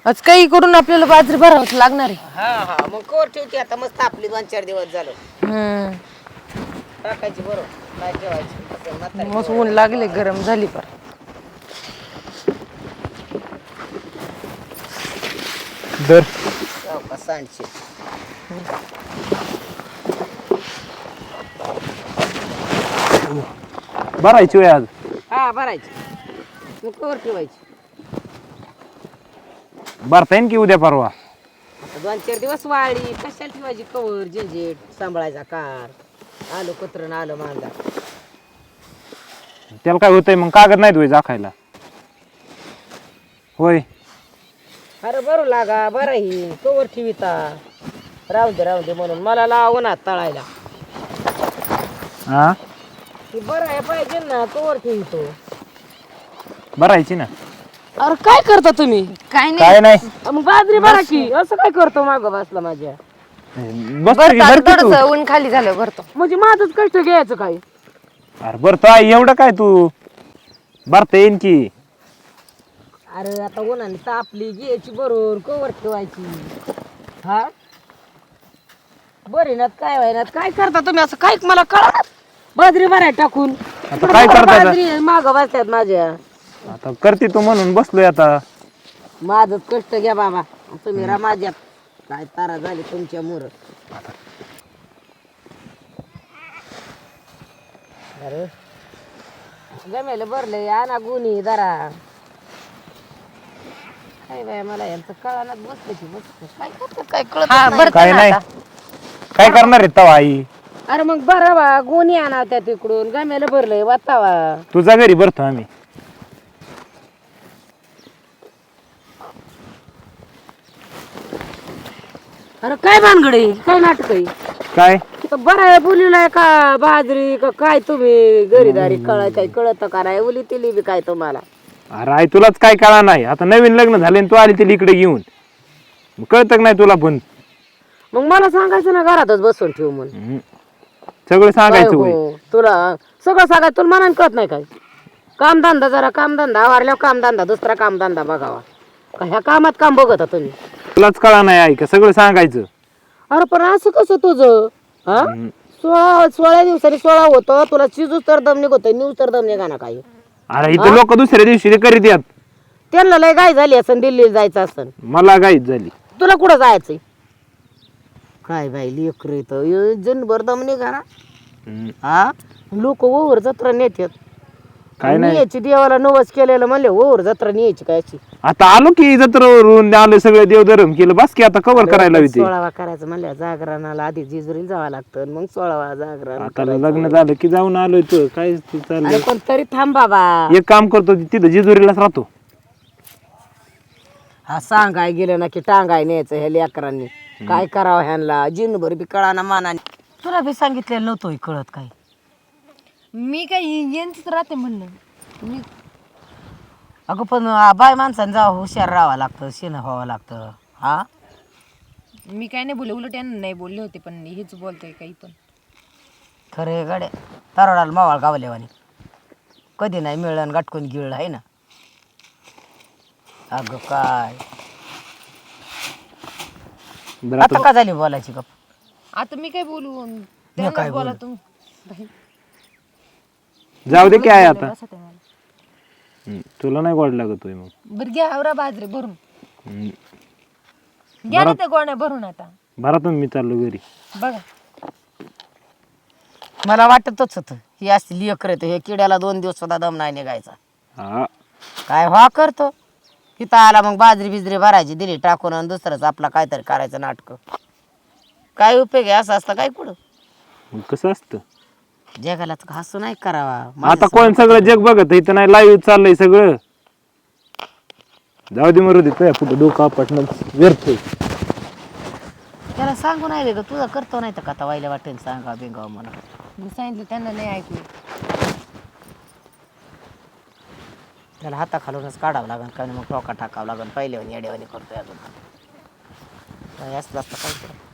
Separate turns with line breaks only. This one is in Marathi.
आज काही करून आपल्याला बाजरी भरावंच लागणार आहे.
हा हा मग कोर ठेवते आता मस्त आपली 2-4 दिवस झालं टाकायची बरोबर काय ठेवायची
मस्त ऊन लागले गरम झाली पर
दर
सांडशे
भरायची वय आज
हा भरायची मग कोर ठेवायची
भरता येईन की उद्या परवा.
आता 2-4 दिवस वाळी कशाला ठेवायची कवर झंझेट सांभाळायचा कार आलं कुत्रं आलं मांजा
त्याला काय होतंय मग कागद नाही होय जाखायला होय.
अरे बरं लागा बरं ही कवर ठेविता राहू दे म्हणून मला लावू ना तळायला
हा
ती बरं आहे पाहिजे ना कवर ठेवितो
भरायची ना.
अरे काय करता तुम्ही
काय
काय नाही
मग बाजरी भरा की असं काय करतो मागं बसला माझ्या
बस की, भर की तू.
थोडस ऊन खाली झालं भरतो.
म्हणजे माझंच कष्ट घ्यायचं काय
अरे भरतो आई एवढं काय तू भरता येईन की.
अरे आता उन्हाने तापली घ्यायची बरोबर कवर ठेवायची हा बरे ना काय व्हायनात काय करता तुम्ही असं काय मला कळणार बाजरी भराय टाकून
आता काय करता आता?
बाजरी मागं बसतात माझ्या
आता करते तू म्हणून बसलोय आता.
माझंच कष्ट घ्या बाबा तुम्ही रा माझ्यात काय तारा झाली तुमच्या मोर अरे गमेला भरले आणा गुन्ही जरा काय बाय मला यांचं कळानात बसलं की बसलं काय करतात काय कळत
हा
नाही.
भरतो
काय
ना
नाही
आता.
काय करणार आहे तवा आई.
अरे मग बरा बा गुन्ही आणा त्या तिकडून गमेला भरलंय वाचावा
तुझ्या घरी भरतो आम्ही.
अरे काय भानगडी काय नाटक आहे
काय
बरं बोलीलाय का बाजरी का काय तुम्ही घरीदारी कळाय काय कळत का नाही उली तिली बी काय तुम्हाला
अरे आई तुलाच काय कळा नाही. आता नवीन लग्न झाले आणि तू आली तिला इकडे घेऊन कळत नाही तुला पण.
मग मला सांगायचं ना घरातच बसून ठेव म्हणून
हम्म. सगळं सांगायचं
काय
होय.
हो, तुला सगळं सांगायचं तुला मनाने कळत नाही काय कामधंदा जरा कामधंदा आवारल्यावर कामधंदा दुसरा कामधंदा बघावा का ह्या कामात काम बघता तुम्ही
तुलाच कळा नाही आई का सगळं सांगायचं.
अरे पण असं कसं तुझं हा 16 दिवसांनी 16 होतं तुला शिजूच तर दम निघतोय न्यूज तर दम निघा ना काही
अरे इथं लोक दुसऱ्या दिवशी ते करीत यात.
त्यांना लय गाय झाली असन दिल्लीला जायचं असन
मला गाईच झाली.
तुला कुठं जायचंय काय बाई लेकर इथं जनभर दम निघा ना
हम्म.
हा लोक ओव्हर जत्रा नेत्यात
काय नाही
याची देवाला नवस केलेलं म्हणले ओव्हर जत्रा न्यायची काय अशी
आता आलो की जत्रेवरून आलो सगळं देवधर्म केलं बस की आता कव्हर करायला होती.
16वा करायचं म्हणल्या जागरणाला आधी जेजुरीला जावं लागतं आणि मग 16वा जागरण
आता लग्न झालं की जाऊन आलोय तू काय तू
अरे
चाललंय.
पण तरी थांब बाबा
एक काम करतो तिथं जेजुरीलाच राहतो.
हा सांगाय गेलं ना की टांगाय न्यायचं ह्या लेकरांनी काय करावं ह्यांना जिनभर बी कळाना मानाने तुला बी सांगितलेलं नव्हतं कळत काय
मी काय यांचीच राहते म्हणलं. मी
अगं पण बाय माणसाने जावं हुशार राहावं लागतं शेण व्हावं लागतं हा
मी काय नाही बोलले उलट यांना नाही बोलले होते पण हेच बोलतोय काही पण.
खरे गडे तरोडाला मावाळ गावलेवानी कधी नाही मिळलं गाठकून गिळलं आहे ना अगं काय
बरं
आता का झाली बोलायची गप
आता मी काय बोलू
काय
त्यांनाच बोला
बोलू?
तुम्ही.
जाऊ दे की आहे आता.
बसा ते मला.
तुला नाही गोड लागतोय मग.
बरं घ्या आवरा बाजरी भरून
हम्म.
घ्या ना त्या गोण्या भरून आता
बरा तुम्ही मी चाललो घरी.
बघा
मला वाटतच होतं ही असली लेकर येतं हे किड्याला 2 दिवस सुद्धा दम नाही निघायचा
हा
काय व्हा करतो तिथं आला मग बाजरी बिजरी भरायची दिली टाकून आणि दुसरंच आपला काहीतरी करायचं नाटक काय उपयोग आहे असं असतं काय कुठं
मग कसं असतं
जगाला तर हसू नाही करावा
आता कोण सगळं जग बघत इथं नाही लाईव्ह चाललंय सगळं. जाऊ दे मरू दे तुझ्या पुढे डोकं आपटणं व्यर्थ आहे.
त्याला सांगू नाही ग तुझा करतो नाही तर का आता वाईला वाटेल सांगा बिंगाव म्हणा
मी सांगितलं त्यांना नाही ऐकलं.
त्याला हाताखालूनच काढावं लागेल काय मग टोका टाकावं लागेल पहिल्यावानी येड्यावानी करतोय अजून काय असलं असतं काय